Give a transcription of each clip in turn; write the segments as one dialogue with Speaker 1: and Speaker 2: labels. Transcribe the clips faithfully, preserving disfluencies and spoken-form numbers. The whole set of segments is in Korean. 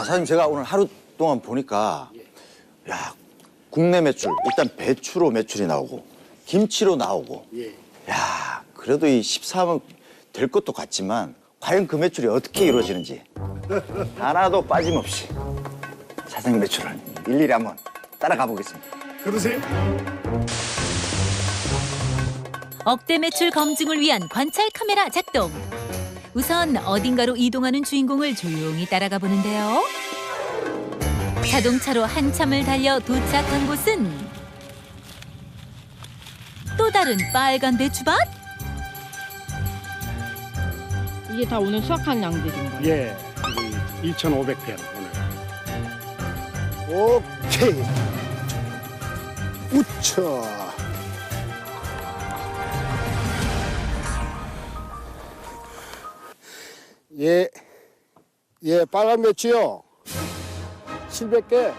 Speaker 1: 사장님 제가 오늘 하루 동안 보니까 야 국내 매출 일단 배추로 매출이 나오고 김치로 나오고
Speaker 2: 예.
Speaker 1: 야 그래도 이 십삼억 될 것도 같지만 과연 그 매출이 어떻게 이루어지는지 하나도 빠짐없이 사장님 매출을 일일이 한번 따라가 보겠습니다.
Speaker 2: 그러세요?
Speaker 3: 억대 매출 검증을 위한 관찰 카메라 작동. 우선 어딘가로 이동하는 주인공을 조용히 따라가 보는데요. 자동차로 한참을 달려 도착한 곳은 또 다른 빨간 배추밭?
Speaker 4: 이게 다 오늘 수확한 양들인가요?
Speaker 2: 예. 이천오백 편 오늘. 오케이. 우차. 예. 예, 빨간 배추요. 칠백 개.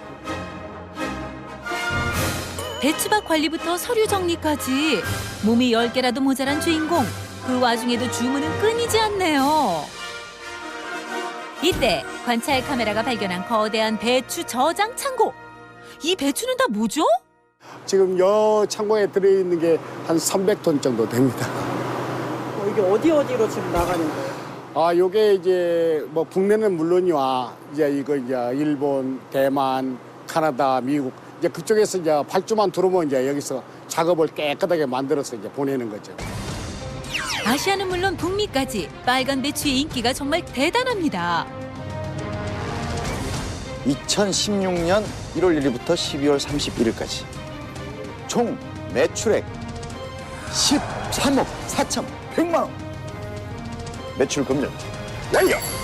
Speaker 3: 배추밭 관리부터 서류 정리까지 몸이 열 개라도 모자란 주인공. 그 와중에도 주문은 끊이지 않네요. 이때 관찰 카메라가 발견한 거대한 배추 저장 창고. 이 배추는 다 뭐죠?
Speaker 2: 지금 여 창고에 들어있는 게 한 삼백 톤 정도 됩니다.
Speaker 5: 어, 이게 어디 어디로 지금 나가는 거예요?
Speaker 2: 아, 요게 이제 뭐 국내는 물론이와 이제 이거 이제 일본, 대만, 캐나다, 미국 이제 그쪽에서 이제 발주만 들어오면 이제 여기서 작업을 깨끗하게 만들어서 이제 보내는 거죠.
Speaker 3: 아시아는 물론 북미까지 빨간 배추의 인기가 정말 대단합니다.
Speaker 1: 이천십육 년 일월 일일부터 십이월 삼십일일까지 총 매출액 십삼억 사천백만 원 매출 금전 날려!